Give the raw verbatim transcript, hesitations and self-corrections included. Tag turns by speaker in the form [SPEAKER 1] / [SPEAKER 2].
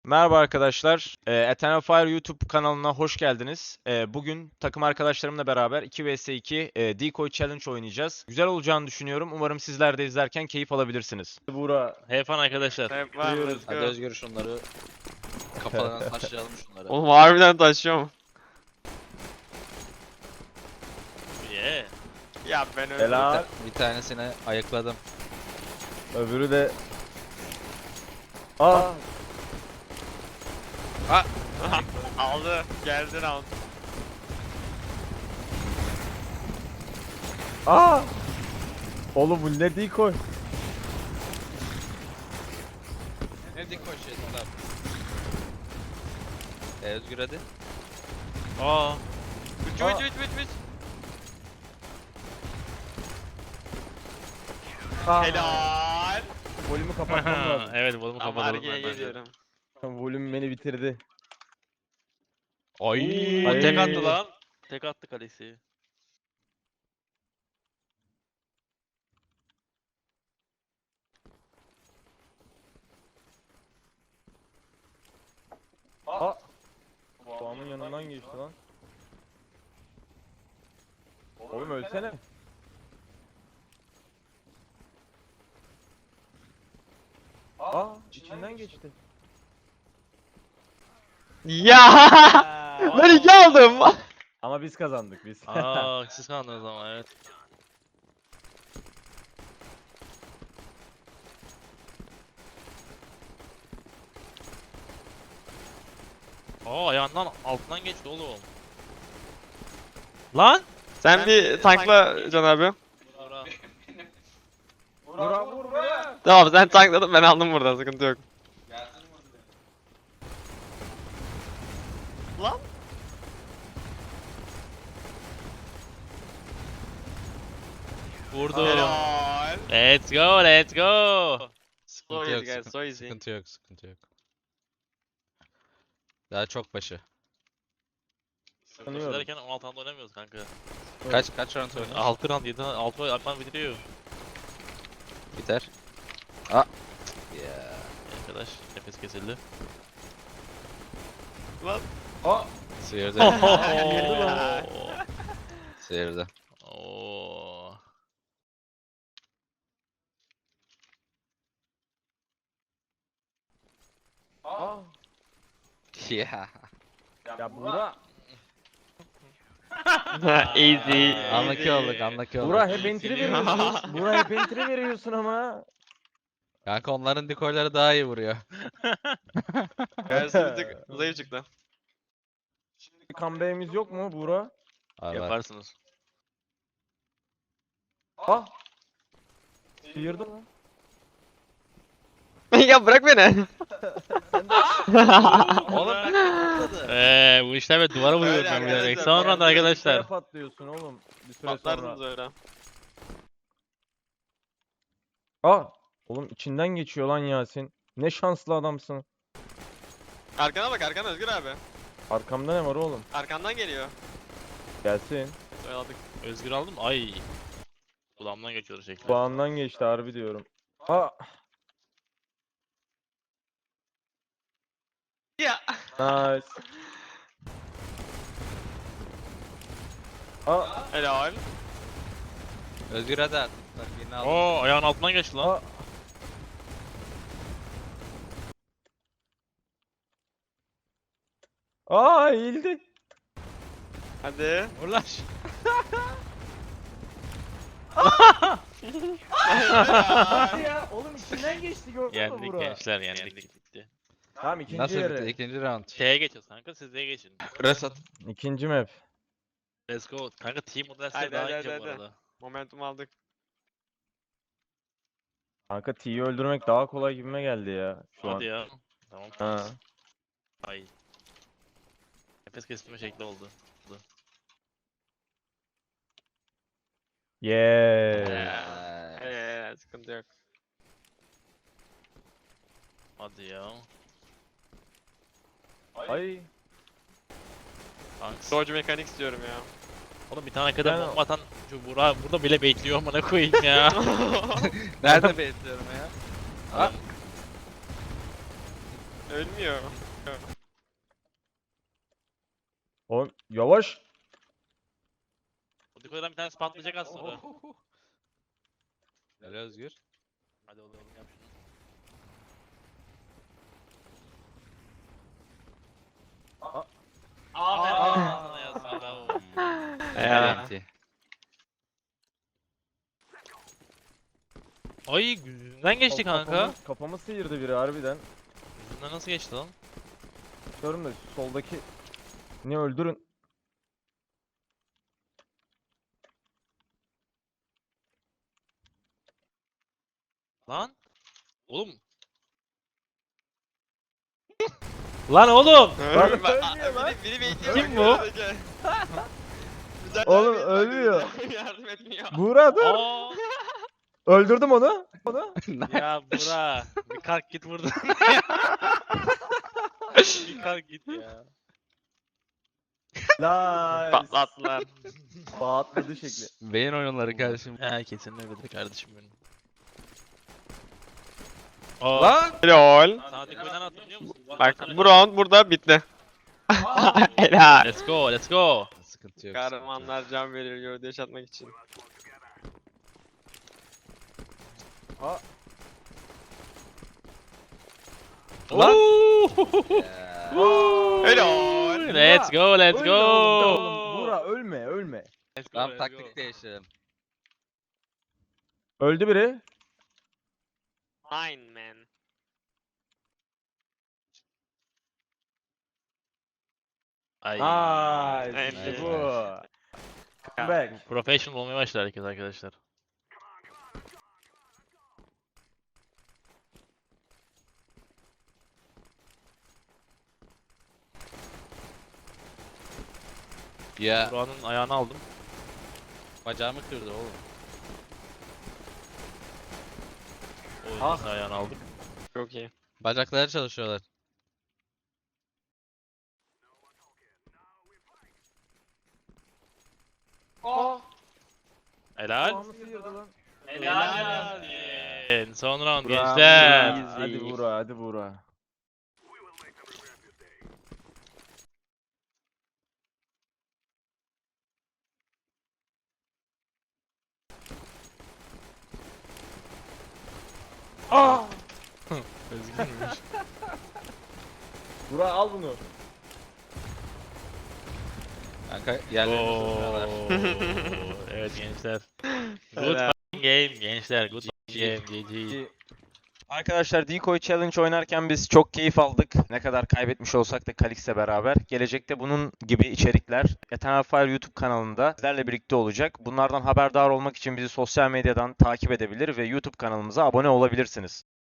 [SPEAKER 1] Merhaba arkadaşlar. Ee, Eternal Fire YouTube kanalına hoş geldiniz. Ee, bugün takım arkadaşlarımla beraber iki vs iki e, Decoy Challenge oynayacağız. Güzel olacağını düşünüyorum. Umarım sizler de izlerken keyif alabilirsiniz.
[SPEAKER 2] Buğra.
[SPEAKER 3] Have fun arkadaşlar.
[SPEAKER 4] Hep var mı? Let's
[SPEAKER 5] Hadi
[SPEAKER 4] go.
[SPEAKER 5] Özgür şunları kafalarına taşlayalım şunları.
[SPEAKER 4] Oğlum harbiden taşıyor mu?
[SPEAKER 3] Yeah.
[SPEAKER 4] Ya ben öyle.
[SPEAKER 2] Helal.
[SPEAKER 5] Bir tanesini ayıkladım.
[SPEAKER 2] Öbürü de... Aa.
[SPEAKER 4] Aldı. Geldi round.
[SPEAKER 2] Aa. Oğlum bu ne decoy?
[SPEAKER 5] Ne dik koşuyorsun lan? E, Özgür hadi.
[SPEAKER 3] Aa.
[SPEAKER 4] Üç
[SPEAKER 2] Aa.
[SPEAKER 4] üç üç üç üç.
[SPEAKER 2] Aa.
[SPEAKER 4] Helal.
[SPEAKER 2] Volümü kapatmam lazım.
[SPEAKER 3] Evet, volumu
[SPEAKER 4] Tamam
[SPEAKER 3] kapatalım.
[SPEAKER 4] Arge'ye
[SPEAKER 3] ben bence.
[SPEAKER 4] geliyorum.
[SPEAKER 2] Volüm beni bitirdi.
[SPEAKER 3] Ay.
[SPEAKER 2] Ay.
[SPEAKER 3] Tek attı lan. Tek attı kalesi.
[SPEAKER 2] Aa. Doğan'ın yanından geçti lan. Oğlum ölsene. Aa, içinden geçti.
[SPEAKER 4] Ya. Ben iki aldım.
[SPEAKER 2] Ama biz kazandık biz.
[SPEAKER 3] Aa, siz kandınız ama evet. Aa, ayağından altından geçti oğlum. Lan!
[SPEAKER 4] Sen bir tankla Can abi.
[SPEAKER 3] Bura.
[SPEAKER 2] Buğra vur be.
[SPEAKER 4] Tamam sen tankladın ben aldım buradan sıkıntı yok. Lan.
[SPEAKER 3] Vurdu.
[SPEAKER 4] Helal.
[SPEAKER 3] Let's go, let's go.
[SPEAKER 4] So
[SPEAKER 5] Sıkıntı
[SPEAKER 4] easy
[SPEAKER 5] yok,
[SPEAKER 4] guys,
[SPEAKER 5] sıkıntı,
[SPEAKER 4] so easy.
[SPEAKER 5] sıkıntı yok, sıkıntı yok. Daha çok başı.
[SPEAKER 2] Sanıyorum.
[SPEAKER 3] Derken on altı round oynamıyoruz kanka.
[SPEAKER 5] Kaç kaç round oynuyor?
[SPEAKER 3] altı round, yedi round, altı round Alpan bitiriyor.
[SPEAKER 5] Biter. Aa. Ya.
[SPEAKER 3] Arkadaş, nefes kesildi.
[SPEAKER 4] Lan.
[SPEAKER 2] Aa.
[SPEAKER 5] Sıyırdı.
[SPEAKER 2] Girdi lan.
[SPEAKER 5] Sıyırdı.
[SPEAKER 3] Oo.
[SPEAKER 2] Aa.
[SPEAKER 5] Ya.
[SPEAKER 2] Ya Buğra.
[SPEAKER 4] Easy.
[SPEAKER 5] Anlaki olduk, anlaki olduk.
[SPEAKER 2] Buğra hep entry veriyorsun. Buğra hep entry veriyorsun ama.
[SPEAKER 5] Kanka onların dekoyları daha iyi vuruyor.
[SPEAKER 4] Gerçi bir tık zayıf çıktı.
[SPEAKER 2] Bir comeback'imiz yok mu Buğra?
[SPEAKER 5] Var var.
[SPEAKER 3] Yaparsınız.
[SPEAKER 2] Ah. Sıyırdı lan.
[SPEAKER 4] Ya bırak beni.
[SPEAKER 5] Oğlum bak patladı.
[SPEAKER 3] Eee bu işler ve duvara vuruyorum
[SPEAKER 4] Öyle
[SPEAKER 3] ben bilerek.
[SPEAKER 4] arkadaşlar,
[SPEAKER 3] Sonra da
[SPEAKER 2] Şuraya
[SPEAKER 3] arkadaşlar.
[SPEAKER 2] patlıyorsun oğlum. Bir süre
[SPEAKER 4] Patlardınız
[SPEAKER 2] sonra.
[SPEAKER 4] öyle.
[SPEAKER 2] Aa. Oğlum içinden geçiyor lan Yasin. Ne şanslı adamsın.
[SPEAKER 4] Arkana bak arkana Özgür abi.
[SPEAKER 2] Arkamda ne var oğlum?
[SPEAKER 4] Arkandan geliyor.
[SPEAKER 2] Gelsin.
[SPEAKER 4] Oyaladık.
[SPEAKER 3] Özgür aldım. Ay. Kulağımdan geçiyor şekli.
[SPEAKER 2] Kulağımdan geçti harbi diyorum. Aa.
[SPEAKER 4] Ya.
[SPEAKER 2] Nice. Aa.
[SPEAKER 4] Helal.
[SPEAKER 5] Özgür hadi at. Bak yine aldım.
[SPEAKER 3] Oo, ayağın altından geçti lan.
[SPEAKER 2] Aa. Aa eğildi.
[SPEAKER 4] Hadi.
[SPEAKER 3] Vur lan.
[SPEAKER 2] Hadi ya oğlum içinden geçti gördün mü
[SPEAKER 3] Yendik
[SPEAKER 2] Buğra?
[SPEAKER 3] gençler, yendik bitti.
[SPEAKER 2] Tamam ikinci
[SPEAKER 5] Nasıl
[SPEAKER 2] yarı.
[SPEAKER 5] bitti? İkinci round.
[SPEAKER 3] Şeye geçiyoruz kanka, siz de geçin.
[SPEAKER 5] Resat.
[SPEAKER 2] İkinci map.
[SPEAKER 3] Let's go. Kanka team model
[SPEAKER 4] Hadi,
[SPEAKER 3] daha
[SPEAKER 4] hadi,
[SPEAKER 3] ince
[SPEAKER 4] hadi,
[SPEAKER 3] bu
[SPEAKER 4] hadi.
[SPEAKER 3] arada.
[SPEAKER 4] Momentum aldık.
[SPEAKER 2] Kanka T'yi öldürmek daha kolay gibime geldi ya şu
[SPEAKER 3] Hadi
[SPEAKER 2] an.
[SPEAKER 3] ya. Tamam.
[SPEAKER 2] Ha.
[SPEAKER 3] Ay. Nefes kestirme şekli oldu.
[SPEAKER 2] Yeah.
[SPEAKER 3] Yeah.
[SPEAKER 4] Eee sıkıntı yok.
[SPEAKER 3] Hadi ya.
[SPEAKER 2] Ay.
[SPEAKER 3] Thanks.
[SPEAKER 4] Dodge mekanik istiyorum ya.
[SPEAKER 3] Oğlum bir tane kadar
[SPEAKER 2] Ben-
[SPEAKER 3] bomba atan şu Burak burada bile bekliyor amına koyayım ya.
[SPEAKER 5] Nerede bekliyorum ya?
[SPEAKER 3] Adam
[SPEAKER 4] Ölmüyor.
[SPEAKER 2] Oğlum yavaş.
[SPEAKER 3] O dekoydan bir tanesi patlayacak az sonra.
[SPEAKER 5] Helal Özgür.
[SPEAKER 3] Hadi oğlum yap şunu.
[SPEAKER 2] Aa.
[SPEAKER 3] Aferin sana ya sana.
[SPEAKER 4] Ya.
[SPEAKER 3] Ay yüzünden geçti kanka.
[SPEAKER 2] Kafamı, kafamı sıyırdı biri harbiden.
[SPEAKER 3] Yüzünden nasıl geçti lan?
[SPEAKER 2] Diyorum da şu soldaki ne öldürün.
[SPEAKER 3] Lan. Oğlum. Lan oğlum.
[SPEAKER 2] Lan
[SPEAKER 4] Bak,
[SPEAKER 2] ölmüyor lan.
[SPEAKER 4] Biri, biri bekliyor.
[SPEAKER 3] Kim
[SPEAKER 4] bak,
[SPEAKER 3] bu?
[SPEAKER 4] gel. Güzel
[SPEAKER 2] Oğlum,
[SPEAKER 4] yardım et, bak,
[SPEAKER 2] ölmüyor.
[SPEAKER 4] güzel Yardım etmiyor.
[SPEAKER 2] Buğra dur.
[SPEAKER 3] Aa.
[SPEAKER 2] Öldürdüm onu. Onu.
[SPEAKER 3] Ya Bura. Bir kalk git buradan. Bir kalk git ya.
[SPEAKER 2] La.
[SPEAKER 4] Patlattılar.
[SPEAKER 2] Patladı şekli.
[SPEAKER 5] Beyin oyunları kardeşim.
[SPEAKER 3] Ha kesin öyledir kardeşim benim. Aa.
[SPEAKER 4] Lan. Lol.
[SPEAKER 3] Sana dekoydan attım biliyor musun?
[SPEAKER 4] Bak bu round burada bitti. Helal.
[SPEAKER 3] Let's go, let's go.
[SPEAKER 5] Sıkıntı yok.
[SPEAKER 4] Kahramanlar can verir gövde yaşatmak için.
[SPEAKER 3] Lan.
[SPEAKER 4] Helal.
[SPEAKER 3] Let's go, let's
[SPEAKER 2] Ölme oğlum,
[SPEAKER 3] go.
[SPEAKER 2] oğlum. Buğra ölme ölme.
[SPEAKER 3] Let's go,
[SPEAKER 5] Tamam
[SPEAKER 3] let's
[SPEAKER 5] taktik
[SPEAKER 3] go.
[SPEAKER 5] değiştirelim.
[SPEAKER 2] Öldü biri.
[SPEAKER 4] Fine man.
[SPEAKER 3] Ay.
[SPEAKER 2] Aa,
[SPEAKER 4] Nice.
[SPEAKER 2] işte bu. Back.
[SPEAKER 3] Professional olmaya başladı herkes arkadaşlar.
[SPEAKER 5] Ya
[SPEAKER 3] Buranın ayağını aldım.
[SPEAKER 5] bacağımı kırdı oğlum.
[SPEAKER 3] O yüzden
[SPEAKER 2] Ah.
[SPEAKER 3] ayağını aldım.
[SPEAKER 4] Çok iyi.
[SPEAKER 5] Bacakları çalışıyorlar.
[SPEAKER 3] Helal.
[SPEAKER 2] Kafamı sıyırdı lan.
[SPEAKER 3] Helal. En son round
[SPEAKER 2] Buğra,
[SPEAKER 3] gençler.
[SPEAKER 2] Buğra, Hadi Buğra hadi Buğra. Aa!
[SPEAKER 3] Özgürmüş.
[SPEAKER 2] Buğra al bunu.
[SPEAKER 5] Kanka yerlerini tutmuyorlar.
[SPEAKER 3] Oo, evet gençler. Good fucking game gençler. Good fucking game. G G.
[SPEAKER 1] Arkadaşlar Decoy Challenge oynarken biz çok keyif aldık. Ne kadar kaybetmiş olsak da Kalix'le beraber. Gelecekte bunun gibi içerikler Eternal Fire YouTube kanalında sizlerle birlikte olacak. Bunlardan haberdar olmak için bizi sosyal medyadan takip edebilir ve YouTube kanalımıza abone olabilirsiniz.